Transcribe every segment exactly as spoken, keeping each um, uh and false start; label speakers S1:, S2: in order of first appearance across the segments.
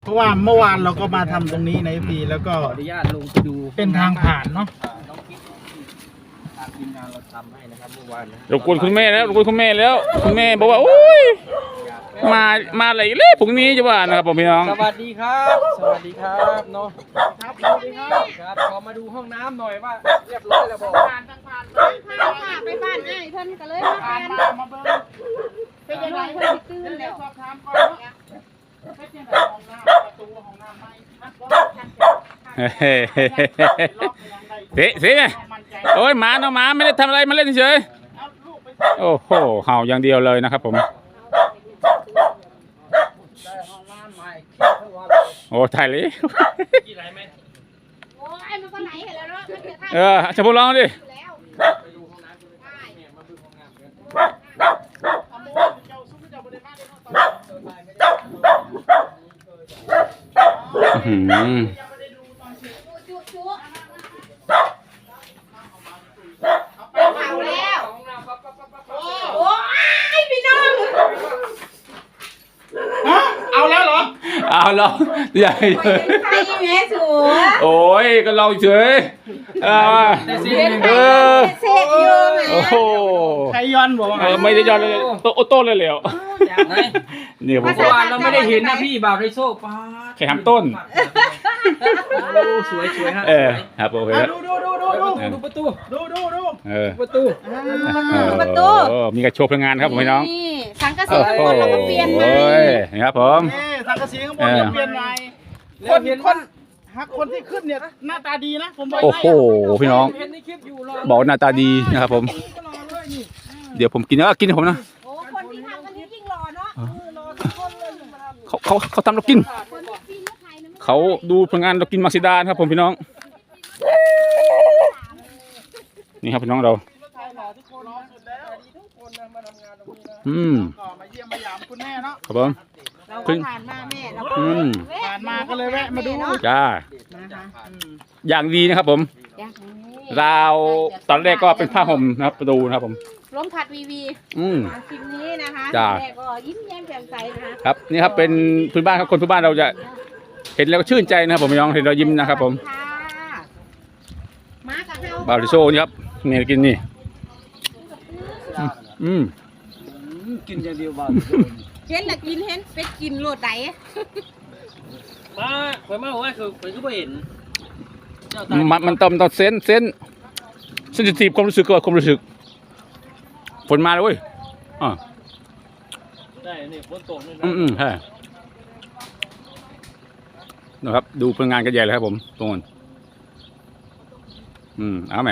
S1: เพราะว่าเมื่อวานเราก็มาทำตรงนี้ในพีแล้วก็
S2: ขออนุญาตลงไปดู
S1: เป็นทางผ่านเนาะ
S2: น้องกิ๊กทางทีมงานเราทำให้นะครับเมื่อวาน
S3: รบกวนคุณแม่แล้วรบกวนคุณแม่แล้วคุณแม่บอกว่าโอ้ยมามาอะไรเลยพรุ่งนี้จะว่านะครับผมพี่น้อง
S2: สวัสดีครับสวัสดีครับเนาะครับสวัสดีครับครับขอมาดูห้องน้ำหน่อยว่าเรียบร้อยแล้วบอก
S1: ผ่านทางผ่าน
S4: ผ่านค่ะไปบ้านง่ายเพิ่นก็เลยมา
S1: ผ่า
S4: แท
S1: น
S4: น
S1: มามาเบิ้งเป็นยังไงเพิ่นตื่นแล้วสอบถามก่อนเนาะเป็นยังไงห้องน้ำประตูห้องน้ำไหมนะก็
S3: เฮ้เฮ้เสียโอ้ยหมาเนาะหมาไม่ได้ทำอะไรมาเล่นเฉยโอ้โหเห่าอย่างเดียวเลยนะครับผมโอ้ถ่ายเลย
S4: โอ้ยมันก็ไหนเห็นแล้วเนาะมันจะท่า
S3: เออจะพูดลองดิ
S4: อยู่แล้ว
S2: ไปดูห้องน้ำกันเนี่ยมาดูห้องน้ำกัน
S3: อืม
S4: จุ๊จุ๊เอาแล้วโอ้ยพี่น้อง
S1: ฮะเอาแล้วเหรอ
S3: เอาลองใหญ่
S4: ใครแม่สัว
S3: โอ้ยก็ลองเฉยเออ
S4: เป็นใคร
S3: เออ
S4: เสียอยู่แม่
S3: โอ้โห
S1: ใครย้อนบอกว่า
S3: เออไม่ได้ย้อนเลยโตโต้เลยเหลว
S2: ไหน
S3: เนี่ยผม
S2: เมื่อวานเราไม่ได้เห็นนะพี่บ่าวไรโซ่ป้า
S3: แค่ทำต้น
S2: โอ้สวยสวยฮะ
S3: เออครับโอเค
S1: อ่ะดูดูดูดูดู
S2: ดูประตู
S1: ดูดูดู
S3: เออ
S2: ประตู
S4: ประตู
S3: โอ้มีกระโชว์พลังงานครับผมพี่น้อง
S4: นี่สังกะสีข้างบนเราก็เปลี่ยนใหม่
S3: โอ้ยนี่ครับผม
S1: เอ๊ะสังกะสีข้างบนเปลี่ยนใหม่คนคนฮักคนที่ขึ้นเนี่ยหน้าตาดีนะผมบอก
S3: โอ้
S1: ให้
S3: โหพี่น้อง
S2: เห็นในคลิปอยู่รอ
S3: บอกหน้าตาดีนะครับผม เดี๋ยวผมกินแล้วกินผมนะ
S4: โอ้คนที่ทำกันนี้ยิ่งรอเนาะรอทุกคนเลย
S3: เขาเขาเขาทำเรากิน
S4: คนที่ปีนลูกไข่นะ
S3: เขาดูพลังงานเรากินมักซิดานะครับผมพี่น้อง นี่ครับพี่น้องเรา
S1: ทุกคนรอสุดแล้ว
S2: ทุกคนนะมาทำงานตรงนี้นะ
S3: อืม
S1: ก็มาเยี่ยมมาหยามคุณแม่เนาะ
S3: ครับผม
S4: เราก็ผ่านมาแม่เราก็
S3: อืม
S1: ผ่านมาก็เลยแวะมาดู
S3: จ้า
S4: นะคะ
S1: อืม
S3: อย่างดีนะครับผม
S4: อยากให้
S3: ราวตอนแรกก็เป็นผ้าห่มนะครับประตูนะครับผม
S4: ล้มขัดวีวี
S3: อืม
S4: คลิปนี้นะคะ
S3: จ้า
S4: แม่ก็ยิ้มแย้มแจ่มใสนะคะ
S3: ครับนี่ครับเป็นพื้นบ้านครับคนพื้นบ้านเราจะเห็นแล้วก็ชื่นใจนะครับผมพี่น้องเห็นเรายิ้มนะครับผม
S4: ค่ะมากับเรา
S3: บาริโซนี่ครับเนี่ยกินนี่อืม
S2: กินอย่างเดียวบ่าว
S4: เห็นละกินเห็นเป็ดกินโลดไหน
S2: มาคอยมาว่าคือคอยก็ไม่เห็น
S3: มันมันต้องต้องเซนเซนเซนซิทีฟความรู้สึกกับความรู้สึกฝนมาแล้วเว้ยอ่า
S2: ได้นี่ฝนตกนี่
S3: อืมอืมใช่นะครับดูพลังงานกันใหญ่เลยครับผมตรงนั้นอืมเอาไหม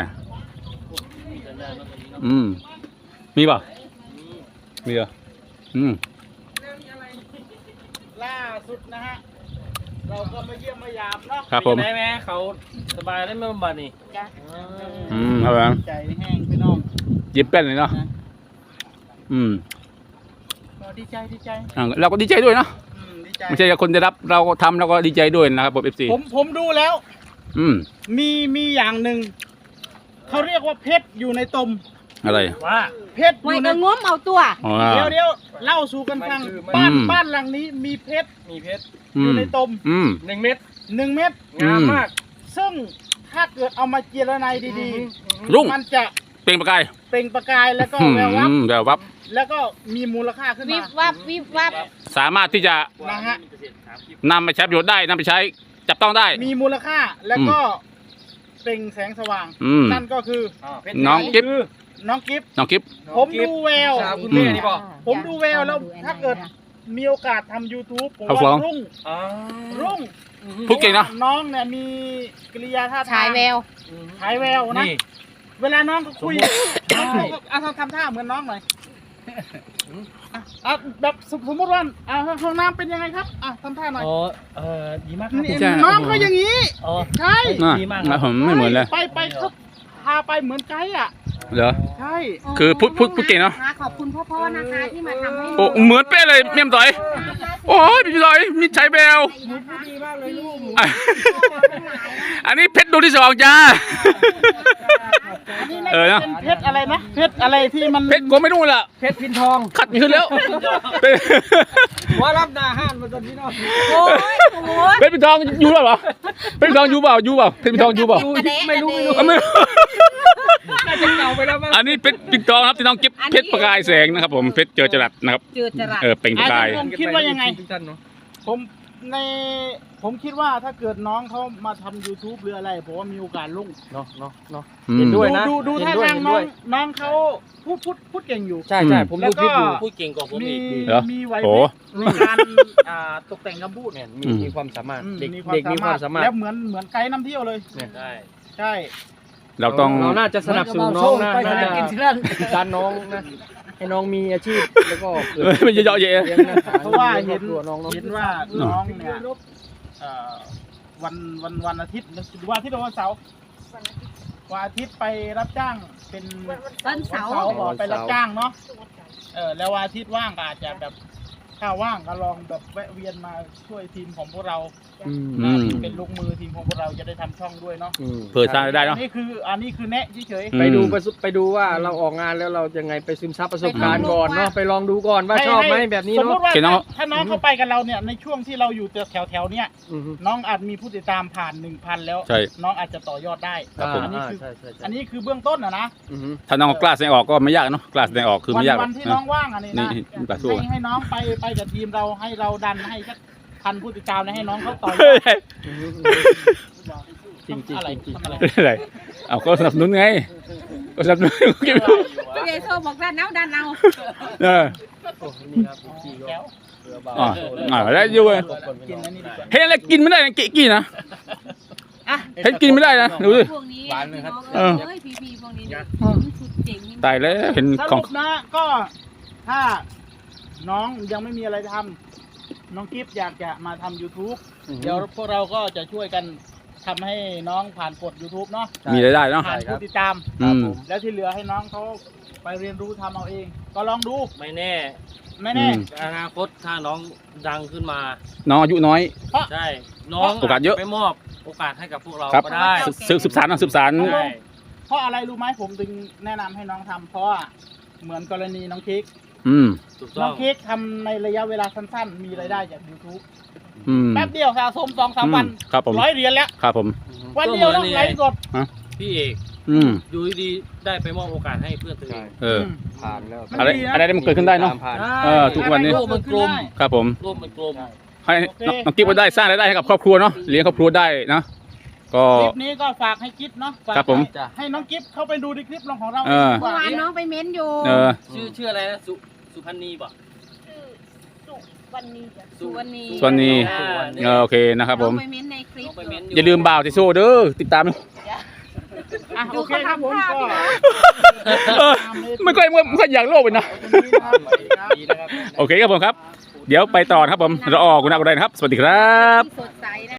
S3: อืมมีป่ะมีเหรออืม
S1: ล่าสุดนะฮะเราก็มาเยี่ยมมาหยามเนาะ
S3: ครับผม
S2: ได้ไหมเขาสบายได้ไหมบำบัดนี่
S4: จ้ะ
S3: อืมครับผม
S1: ใจแห้งพี่น้อง
S3: ยิ้มเป็นเลยเนาะอืม
S1: ก็ดีใจดีใจ
S3: อ่าเราก็ดีใจด้วยเนาะ
S1: อืมดีใจ
S3: ไม่ใช่คนได้รับเราก็ทำเราก็ดีใจด้วยนะครับผมเอฟซี
S1: ผมผมดูแล้ว
S3: อืม
S1: มีมีอย่างหนึ่งเขาเรียกว่าเพชรอยู่ในตม
S3: อะไร
S2: ว่า
S1: เพชรอ
S4: ไม่
S1: ยู่ใน
S4: ก็ง้มเอาตัว
S3: อ๋อ
S1: เดี๋ยวเดี๋ยวเล่าสู่กันฟัง
S3: อื
S1: บ้าน
S3: ม
S1: บ้านหลังนี้มีเพชร
S2: มีเพชร
S3: อื
S1: อยู่
S3: ม
S1: ในตม
S3: อืม
S2: หนึ่งเม็ด
S1: หนึ่งเม็ด
S2: งามมาก
S1: ซึ่งถ้าเกิดเอามาเจรไนดี
S3: รุ่ง
S1: ๆ มันจะ
S3: เปล่งประกาย
S1: เปล่งประกายแล้วก็
S3: อืม
S1: แวววับ
S3: แวววับ
S1: แล้วก็มีมูลค่าขึ้น
S4: วิ
S1: มา
S4: บวับวิบวับ
S3: สามารถที่จะ
S1: นะฮะ
S3: นำไปใช้ประโยชน์ได้นำไปใช้จับต้องได้
S1: มีมูลค่าแล้วก็เปล่งแสงสว่าง
S3: อืม
S1: นั่นก็คือ
S3: น้องกิ๊บ
S1: น้องกิฟต์
S3: น้องกิฟ
S1: ผมดูแวว
S2: สาวคุณแม่นี่บอก
S1: ผมดูแววแล้วถ้าเกิดมีโอกาสทำ YouTube ผม
S3: เอาฟ้อ
S1: ว่าง รุ่ง
S2: อ๋อ
S1: รุ่ง
S3: พูดเก่งเนอะ
S1: น้องเนี่ยมีกิริยาท่าทาง
S4: ฉายแวว
S1: ฉายแววนะ
S2: นี่
S1: เวลาน้องเขาคุย
S2: สมมุติ
S1: เอาทำทำท่าเหมือนน้องหน่อยอ่ะอ่ะแบบสมมติว่าอ่ะห้องน้ำเป็นยังไงครับอ่ะทำท่าหน่อย
S2: อ๋อเออดีมากครับ
S1: นี่
S3: ใช่
S1: น้องก็อย่างนี้
S2: อ๋อ
S1: ใช่
S3: น่ะ
S2: ดีมาก
S3: นะผมไม่เหมือนเลย
S1: ไปไปเขาพาไปเหมือนไกด์อ่ะ
S3: เหรอ
S1: ใช่
S3: คือพูดพูดพูดเก่งเนอะ
S4: ขอบคุณพ่อๆนะคะที่มาทำให้
S3: โอ้เหมือนเป๊ะเลยเมี่ยมต่อย โอ้ยพี่ต่อยมีใช้แวว
S2: ดีมากเลยลูก
S3: อ่ะอันนี้เพชรดูที่สองจ้า
S1: อันนี้น่า
S3: เออ
S1: จะ
S3: เนอะ
S1: เป็นเพชรอะไรนะเพชรอะไรที่มัน
S3: เพชรโกไม่รู้ล่ะ
S2: เพชรพินทอง
S3: ขัดไม่ขึ้นแล้ว
S2: ว่ารับหนาห้านมาจนพี่น้อง
S4: โอ้ยโอ้โห
S3: เพชรปิ่นทองอยู่หรือเปล่าเพชรปิ่นทองอยู่เปล่าอยู่เปล่าเพชรปิ่นทองอยู่เปล่า
S2: ไม่รู้ไม่รู้
S3: เอาไม่รู้
S2: น่าจะเก่าไปแล้วมั้ง
S3: อันนี้เพชรปิ่นทองครับที่น้องเก็บเพชรประกายแสงนะครับผมเพชรเจอจรัสนะครับ
S4: เจอจรัส
S3: เออเปล่งประกาย
S1: ผมคิดว่ายังไง
S2: ท่านเนาะ
S1: ผมในผมคิดว่าถ้าเกิดน้องเขามาทำ YouTube หรืออะไรผมว่ามีโอกาสลุ่ง
S2: เนาะเนาะเนาะ
S3: อืม
S2: เห็นด้วยนะ
S1: ดูดู
S2: เห็
S1: ท่าน
S2: ด้วย
S1: ทาง
S2: เห็น
S1: น้
S2: ด้
S1: อ
S2: ว
S1: ง
S2: ย
S1: น้องเขาพูดพูดพูดเก่งอยู่
S2: ใช่ใช่
S3: อืม
S2: ผม
S1: แล้ว
S2: ดูคลิปอยู่
S1: ก็
S5: พูดเก่งกว่าผม
S1: มี
S5: อีก
S3: เหรอ
S1: มีไหว
S3: โอ้
S1: พริบในการอ่าตกแต่งคำพูด
S2: เนี่ยมี
S3: อืม
S2: มีความสามารถ
S1: อืม
S2: เด็ก
S1: มี
S2: เด็กมีความสามารถ
S1: แล้วเหมือนเหมือนไกด์นำเที่ยวเลย
S2: เนี่ย
S5: ใช่
S1: ใช่
S3: เราต้อง
S2: เราน่าจะสนับสนุนน้องนะน่าจะดันน้องนะให้น้องมีอาชีพแล้วก็เกิด
S3: เอ้ยมันเยอะๆแยะ
S2: ลี้งน
S1: เพราะว่าเห็น
S2: ครอบครัวน้องเนาะ
S1: เห็นว่าน้องเนี่ยเอ่อวันวันวันอาทิตย์หรือวันอาทิตย์หรือวันเสาร์วันอาทิตย์ไปรับจ้างเป็น
S4: วันเสาร์
S1: บอกไปรับจ้างเนาะเออแล้ววันอาทิตย์ว่างก็อาจจะแบบถ้าว่างก็ลองแบบแวะเวียนมาช่วยทีมของพวกเรา
S2: อืม
S3: อืม
S1: เป็นลูกมือทีมของพวกเราจะได้ทำช่องด้วยเนาะ
S2: อืม
S3: เปิดสร้างรายได้
S1: อั
S3: เนาะ
S1: นนี้คืออันนี้คือแนะเฉย
S3: อืม
S2: ไปดูไปสุไปดูว่าเราออกงานแล้วเรายังไงไปซึมซับประสบการณ์ก่อนเนาะไปลองดูก่อนว่าชอบไหมแบบนี้
S1: สมม
S2: เนาะ
S1: ติว่า
S3: เห็นน้อง
S1: ถ้าน้องเข้าไปกับเราเนี่ยในช่วงที่เราอยู่แถวแถวๆเนี่ย
S2: อือฮึ
S1: น้องอาจมีผู้ติดตามผ่านหนึ่งพันแล้ว
S3: ใช่
S1: น้องอาจจะต่อยอดได้
S3: ครับผม
S1: อันนี้
S2: อ่า
S1: คือ
S2: ใช่ใช่ใช่
S1: อันนี้คือเบื้องต้นนะนะ
S2: อือฮึ
S3: ถ้าน้องกล้าแสดงออกก็ไม่ยากเนาะกล้าแสดงออกคือ
S1: วั
S3: ไม่ยากหร
S1: วั
S3: อก
S1: ที่
S3: นะ
S1: น้องว่างอันนี้
S3: นี่
S1: นะ
S3: นี่ปลาสู้
S1: ให้ให้น้องไปไปกับทีมเราให้เราดันให้สักพันผู้ติดตามนะให้น้องเขาต่อยอ
S3: เฮ้ย
S1: ด
S2: อือฮึจริงจริง
S1: อะไร
S2: จริง
S1: ทำอะไร
S3: อะไรเอาก็สนับสนุนไงก็สนับสนุน
S4: พี่ใหญ่โซบอกด้านเอาด้านเอา
S3: เออ
S2: โอ้นี่ครับพี่ก็
S1: แก้ว
S2: เรือเบา
S3: อ่าอ่าได้อยู่เว้ย
S1: กินอันนี้ดีกว่า
S3: เห็นอะไรกินไม่ได้นะกินกินนะ
S1: อ่ะ
S3: เห็นกินไม่ได้นะดูดิ
S4: พวกนี้
S2: หวานเลยครับ
S3: เออ
S4: เอ้ยพีพีพวกนี้
S2: นะ
S4: สุดเจ๋ง
S3: ตายแล้วเห็น
S1: ส
S3: ของ
S1: รุปนะก็ถ้าน้องยังไม่มีอะไรทำน้องกิฟต์อยากจะมาทำ YouTube เดี๋ยวพวกเราก็จะช่วยกันทำให้น้องผ่านกฎ YouTube เนาะ
S3: มีรายได้เนาะ
S1: ผ่านผู้ติดตาม
S3: อืม
S1: แล้วที่เหลือให้น้องเขาไปเรียนรู้ทำเอาเอง ก็ลองดู
S5: ไม่แน่
S1: ไม่แน่
S3: อืม
S5: อนาคตถ้าน้องดังขึ้นมา
S3: น้องอายุน้อย
S5: ใช่ น้อง
S3: โอกาสเยอะ
S5: ไปมอบโอกาสให้กับพวกเรา
S3: ครับ
S5: ก็ได้
S3: สืบสืบสารนะสืบสาร
S5: ใช่
S1: เพราะอะไรรู้ไหมผมถึงแนะนำให้น้องทำเพราะว่าเหมือนกรณีน้องเค้ก
S3: อืม
S5: ถูก
S1: น้
S5: ต้
S1: อ
S5: อง ง
S1: เค้กทำในระยะเวลาสั้นๆ มีรายได้จาก YouTube
S3: อืม
S1: แป๊บเดียวสะสมสองสามวัน
S3: ครับผม
S1: ร้อยเหรียญแล้ว
S3: ครับผม
S1: วันเดียวต้องไลฟ์สด
S5: พี่เอก
S3: อืม
S5: อยู่ดีๆได้ไปมอบโอกาสให้เพื่อนตัวเอง
S3: เออ
S2: ผ่านแล้ว
S1: มัน
S3: อะไร
S1: ดีนะ
S3: อะไรมันเกิดขึ้นได้เนาะ
S2: ผ่าน
S3: เออทุกวันนี้
S5: โลกมันกลม
S3: ครับผม
S5: โลกมันกลม
S3: ให้น้องน้องกิ๊บก็ได้สร้างรายได้ให้กับครอบครัวเนาะเลี้ยงครอบครัวได้นะก็
S1: คลิปนี้ก็ฝากให้กิฟเนาะฝาก
S3: ครับผม
S1: ให้ให้น้องกิฟเข้าไปดูในคลิปของเรา
S3: เออ
S1: ดีก
S4: เมื่อ
S1: ว่าว
S4: านน้องไปเม้นอยู่
S3: เออ
S5: ชื่อชื่ออะไรนะสุสุพันนีป่ะ
S4: วันนี้สุวรรณี
S3: ส่วนนี้
S5: อ่า
S3: เออโอเคนะครับผม
S4: น้องไปเม้นในคลิป
S5: น้องไปเม้น
S3: อย่าลืมบ่าวติโซเด้อติดตามนะ
S1: อ่ะ
S4: ดู
S1: โอเค
S4: เขา
S1: ครับผม
S4: ทำภาพ
S1: ก็
S4: พี่นะ
S3: เออไม่ค่อยไม่ค่อยอยากโลกเลยนะ
S2: ดีนะครับ
S3: โอเคครับผมครับ เดี๋ยวไปต่อนะครับผมรอออกคุณอากุไดนะครับ สวัสดีครับ
S4: สดใสนะ